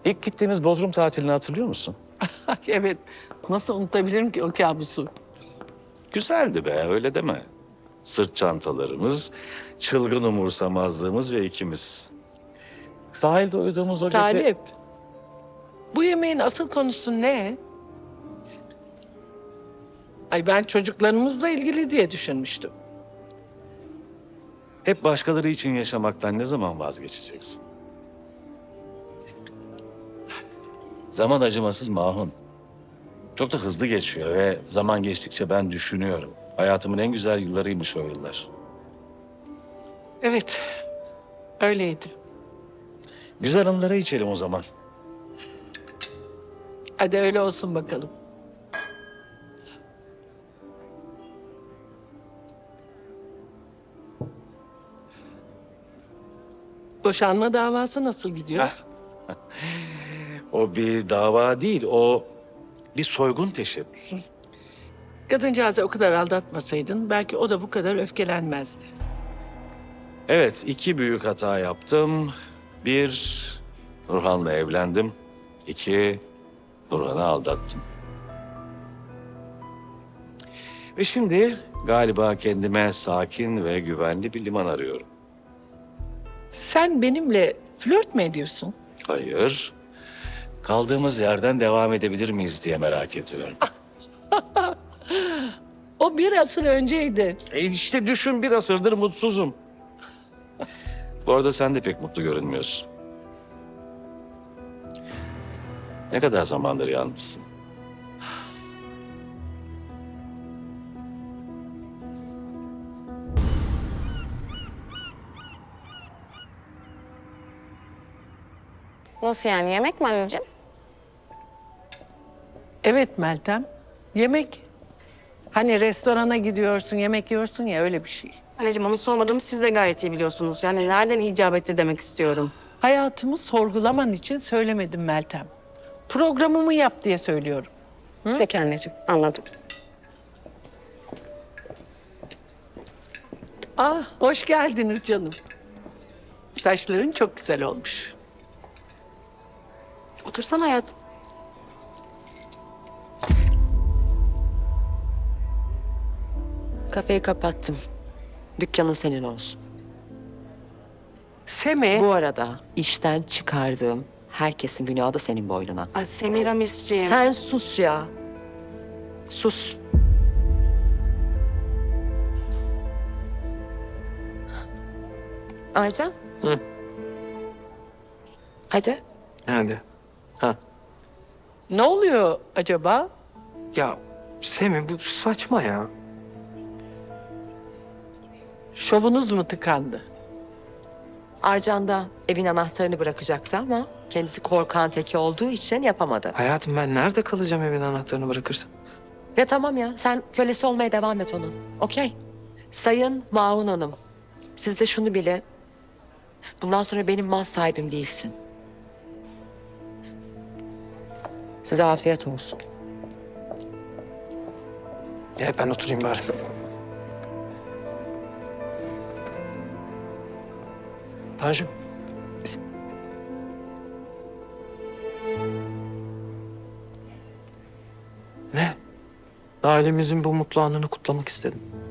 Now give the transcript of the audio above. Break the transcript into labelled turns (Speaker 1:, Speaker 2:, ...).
Speaker 1: İlk gittiğimiz Bodrum tatilini hatırlıyor musun?
Speaker 2: Evet. Nasıl unutabilirim ki o kabusu?
Speaker 1: Güzeldi be, öyle deme. Sırt çantalarımız, çılgın umursamazlığımız ve ikimiz. Sahilde uyuduğumuz o gece...
Speaker 2: Talip. Bu yemeğin asıl konusu ne? Ay ben çocuklarımızla ilgili diye düşünmüştüm.
Speaker 1: Hep başkaları için yaşamaktan ne zaman vazgeçeceksin? Zaman acımasız Mahun. Çok da hızlı geçiyor ve zaman geçtikçe ben düşünüyorum. Hayatımın en güzel yıllarıymış o yıllar.
Speaker 2: Evet. Öyleydi.
Speaker 1: Güzel anılara içelim o zaman.
Speaker 2: Hadi öyle olsun bakalım. Boşanma davası nasıl gidiyor?
Speaker 1: O bir dava değil, o bir soygun teşebbüsü.
Speaker 2: Kadıncağızı o kadar aldatmasaydın belki o da bu kadar öfkelenmezdi.
Speaker 1: Evet, iki büyük hata yaptım. Bir, Nurhan'la evlendim. İki, Nurhan'ı aldattım. Ve şimdi galiba kendime sakin ve güvenli bir liman arıyorum.
Speaker 2: Sen benimle flört mü ediyorsun?
Speaker 1: Hayır, kaldığımız yerden devam edebilir miyiz diye merak ediyorum.
Speaker 2: O bir asır önceydi.
Speaker 1: İşte düşün, bir asırdır mutsuzum. Bu arada sen de pek mutlu görünmüyorsun. Ne kadar zamandır yalnızsın?
Speaker 3: Nasıl yani? Yemek mi anneciğim?
Speaker 2: Evet Meltem. Yemek. Hani restorana gidiyorsun, yemek yiyorsun ya öyle bir şey.
Speaker 3: Anneciğim onu sormadığımı siz de gayet iyi biliyorsunuz. Yani nereden icap etti demek istiyorum.
Speaker 2: Hayatımı sorgulaman için söylemedim Meltem. Programımı yap diye söylüyorum.
Speaker 3: Peki anneciğim, anladım.
Speaker 2: Ah, hoş geldiniz canım. Saçların çok güzel olmuş.
Speaker 3: Otursana hayatım. Kafeyi kapattım. Dükkanın senin olsun.
Speaker 2: Seme,
Speaker 3: Bu arada işten çıkardığım herkesin günahı da senin boynuna.
Speaker 4: Ay Semiramisciğim.
Speaker 3: Sen sus ya. Sus. Arcan.
Speaker 5: Hı.
Speaker 3: Hadi.
Speaker 5: Hadi. Ha.
Speaker 2: ne oluyor acaba?
Speaker 5: Ya Semih bu saçma ya.
Speaker 2: Şovunuz mu tıkandı?
Speaker 3: Arcan da evin anahtarını bırakacaktı ama kendisi korkan teki olduğu için yapamadı.
Speaker 5: Hayatım ben nerede kalacağım evin anahtarını bırakırsam?
Speaker 3: Ya tamam ya, sen kölesi olmaya devam et onun. Okey. Sayın Mahun Hanım, siz de şunu bilin. Bundan sonra benim mal sahibim değilsin. Size afiyet olsun.
Speaker 5: Ya ben oturayım bari. Tanju. Ne? Ailemizin bu mutlu anını kutlamak istedim.